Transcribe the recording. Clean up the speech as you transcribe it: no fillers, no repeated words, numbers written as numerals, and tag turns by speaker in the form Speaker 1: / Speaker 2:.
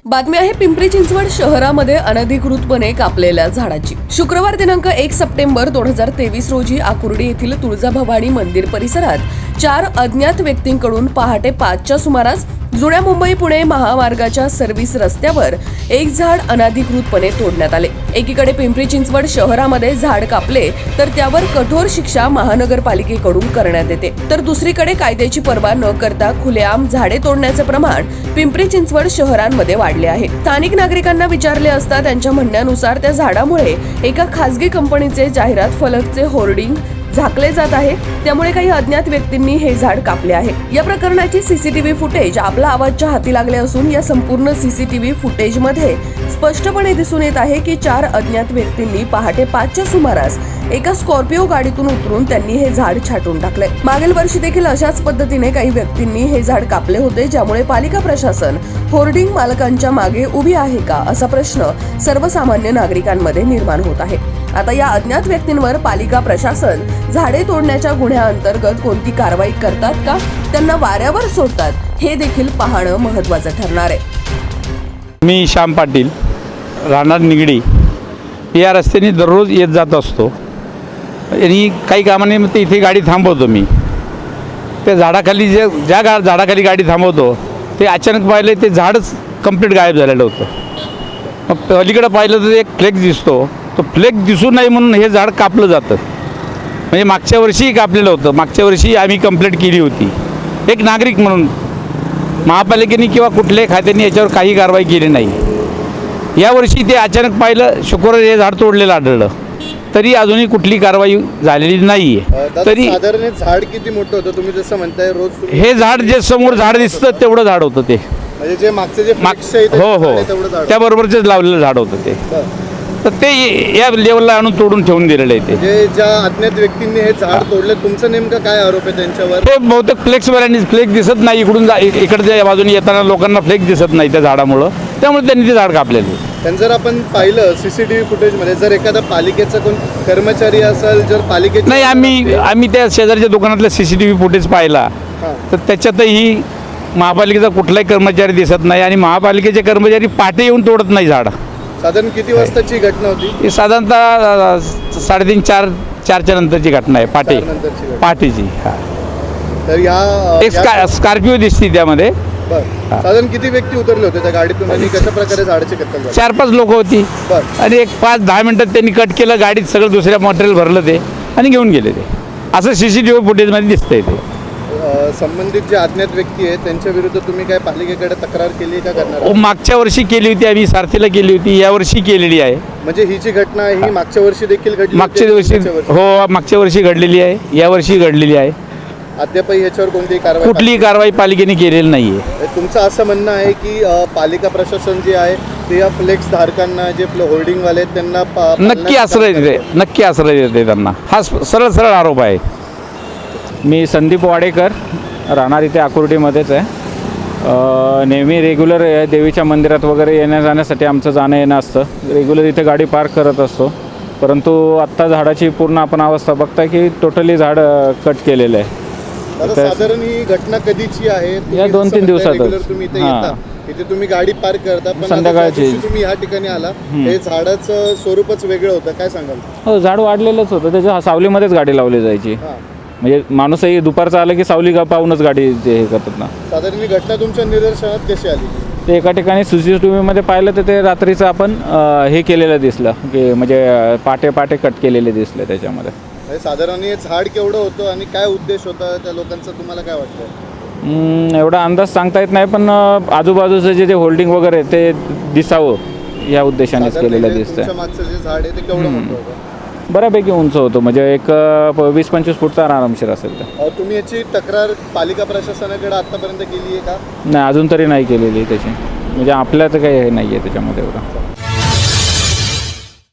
Speaker 1: बातमी आहे पिंपरी चिंचवड शहरामध्ये अनधिकृतपणे कापलेल्या झाडाची। शुक्रवार दिनांक 1 सप्टेंबर 2023 रोजी आकुर्डी येथील तुळजाभवानी मंदिर परिसरात 4 अज्ञात व्यक्तींकडून पहाटे 5च्या सुमारास जुन्या मुंबई पुणे महामार्गाच्या सर्व्हिस रस्त्यावर एक झाड अनधिकृतपणे तोडण्यात आले। एकीकडे पिंपरी चिंचवड शहरामध्ये झाड कापले तर त्यावर कठोर शिक्षा महानगरपालिकेकडून करण्यात येते, तर दुसरीकडे कायद्याची पर्वा न करता खुलेआम झाडे तोडण्याचे प्रमाण पिंपरी चिंचवड शहरांमध्ये वाढले आहे। स्थानिक नागरिकांना विचारले असता त्यांच्या म्हणण्यानुसार त्या झाडामुळे एका खासगी कंपनीचे जाहिरात फलकचे होर्डिंग झाकले जात आहे, त्यामुळे काही अज्ञात व्यक्तींनी हे झाड कापले आहे। या प्रकरणाची सीसीटीव्ही फुटेज आपला आवाजच्या हाती लागले असून या संपूर्ण सीसीटीव्ही फुटेजमध्ये स्पष्टपणे दिसून येत आहे की 4 अज्ञात व्यक्तींनी पहाटे 5च्या सुमारास एका स्कॉर्पिओ गाडीतून उतरून त्यांनी हे झाड छाटून टाकले। मागील वर्षी देखील अशाच पद्धतीने काही व्यक्तींनी हे झाड कापले होते, ज्यामुळे पालिका प्रशासन होर्डिंग मालकांच्या मागे उभी आहे का असा प्रश्न सर्वसामान्य नागरिकांमध्ये निर्माण होत आहे। आता या अज्ञात व्यक्तींवर पालिका प्रशासन झाडे तोडण्याच्या गुन्ह्याअंतर्गत कोणती कारवाई करतात का, त्यांना वाऱ्यावर सोडतात, हे देखील पाहणं महत्त्वाचं ठरणार आहे।
Speaker 2: मी श्याम पाटील, राहणार निगडी, या रस्त्याने दररोज येत जात असतो आणि काही कामानिमित्त इथे गाडी थांबवतो। मी त्या झाडाखाली ज्या झाडाखाली गाडी थांबवतो ते अचानक पाहिलं ते झाडच कंप्लीट गायब झालेलं होतं। मग अलीकडं पाहिलं तर एक फ्लेक्स दिसतो, तो फ्लेक्स दिसू नये म्हणून हे झाड कापलं जातं। म्हणजे मागच्या वर्षीही कापलेलं होतं, मागच्या वर्षी आम्ही कंप्लेंट केली होती एक नागरिक म्हणून। महापालिकेने किंवा कुठल्याही खात्याने याच्यावर काही कारवाई केली नाही। यावर्षी ते अचानक पाहिलं, शुक्रवारी हे झाड तोडलेलं आढळलं, तरी अजूनही कुठली कारवाई झालेली नाही आहे। तरी
Speaker 3: साधारण झाड किती मोठं होतं तुम्ही जसं म्हणताय रोज
Speaker 2: हे झाड जे समोर झाड दिसतं तेवढं झाड होतं ते,
Speaker 3: म्हणजे जे मागचे जे
Speaker 2: हो त्याबरोबरच लावलेलं झाड होतं ते, तर ते या लेवलला आणून तोडून ठेवून दिलेलं आहे ते।
Speaker 3: ज्या अज्ञात व्यक्तींनी हे झाड तोडले, तुमचं नेमकं काय आरोप आहे त्यांच्यावर?
Speaker 2: हे बहुतेक फ्लेक्सवाल्यांनी फ्लेक्स दिसत नाही, इकडून इकडच्या बाजूने येताना लोकांना फ्लेक्स दिसत नाही त्या झाडामुळं, त्यामुळे त्यांनी ते झाड कापलेलं।
Speaker 3: त्यांनी जर आपण पाहिलं सीसीटीव्ही फुटेजमध्ये, जर एखादा पालिकेचा कोण कर्मचारी असेल, जर पालिकेचा
Speaker 2: नाही, आम्ही त्या शेजारच्या दुकानातला सीसीटीव्ही फुटेज पाहिला तर त्याच्यातही महापालिकेचा कुठलाही कर्मचारी दिसत नाही आणि महापालिकेचे कर्मचारी पहाटे येऊन तोडत नाही झाड।
Speaker 3: साधारण किती वाजताची घटना होती?
Speaker 2: ही साधारणतः 3:30 4च्या नंतरची घटना आहे, पहाटेची।
Speaker 3: तर या
Speaker 2: एक स्कॉर्पिओ दिसती त्यामध्ये।
Speaker 3: साधारण किती व्यक्ती उतरले होते त्या गाडीतून आणि कशा प्रकारे झाडाची कत्तल झाली?
Speaker 2: 4-5 लोक होती आणि एक 5-10 मिनिटात त्यांनी कट केलं, गाडीत सगळं दुसऱ्या मटेरियल भरलं ते आणि घेऊन गेले ते, असं सीसीटीव्ही फुटेजमध्ये दिसतंय ते।
Speaker 3: संबंधित जे अज्ञात व्यक्ती आहेत त्यांच्या विरुद्ध तुम्ही काय पालिकेकडे तक्रार केली का करणार?
Speaker 2: मागच्या वर्षी केली होती आम्ही, सारथीला केली होती, यावर्षी केलेली आहे।
Speaker 3: म्हणजे ही जी घटना आहे ही मागच्या वर्षी देखील घडली?
Speaker 2: मागच्या वर्षी हो, मागच्या वर्षी घडलेली आहे, यावर्षी घडलेली आहे।
Speaker 3: अद्यापही याच्यावर कोणतीही
Speaker 2: कुठलीही कारवाई पालिकेने केलेली नाही आहे।
Speaker 3: तुमचं असं म्हणणं आहे की पालिका प्रशासन जे आहे ते या फ्लेक्स धारकांना, जे होर्डिंगवाले आहेत त्यांना
Speaker 2: नक्की आश्रय देते त्यांना, हा सरळ आरोप आहे।
Speaker 4: मी संदीप वाडेकर, राहणार इथे आकुर्डीमध्येच आहे। नेहमी रेग्युलर देवीच्या मंदिरात वगैरे येण्या जाण्यासाठी आमचं जाणं येणं असतं, रेग्युलर इथे गाडी पार्क करत असतो। परंतु आत्ता झाडाची पूर्ण आपण अवस्था बघताय की टोटली झाड कट केलेलं आहे।
Speaker 3: साधारण ही घटना कधीची आहे?
Speaker 4: या 2-3 दिवसातच।
Speaker 3: तुम्ही इथे तुम्ही गाडी पार्क करता, पण
Speaker 4: संध्याकाळची
Speaker 3: तुम्ही ह्या ठिकाणी आला, हे झाडाचं स्वरूपच वेगळं होतं, काय सांगाल?
Speaker 4: हो, झाड वाढलेलंच होतं, त्याच्या सावलीमध्येच गाडी लावली जायची। म्हणजे माणूसही दुपारचा आलं की सावली पाहूनच गाडी हे करतात ना।
Speaker 3: साधारण ही घटना तुमच्या निदर्शनात कशी आली?
Speaker 4: ते एका ठिकाणी सीसीटीव्हीमध्ये पाहिलं तर ते रात्रीचं आपण हे केलेलं दिसलं की म्हणजे पाटे कट केलेले दिसले त्याच्यामध्ये।
Speaker 3: साधारण हे झाड केवढं होतं आणि काय उद्देश होता त्या लोकांचा, तुम्हाला काय वाटतं?
Speaker 4: एवढा अंदाज सांगता येत नाही, पण आजूबाजूचं जे होल्डिंग वगैरे ते दिसावं या उद्देशानेच केलेलं दिसतं।
Speaker 3: मागचं जे झाड आहे ते केवढं मोठं होतं?
Speaker 4: बऱ्यापैकी उंच होतं, म्हणजे एक 20-25 फूट तर आरामशीर असेल तर।
Speaker 3: तुम्ही याची तक्रार पालिका प्रशासनाकडे आतापर्यंत केली आहे का?
Speaker 4: नाही, अजून तरी नाही केलेली त्याची, म्हणजे आपल्या तर काही हे नाही आहे त्याच्यामध्ये एवढं।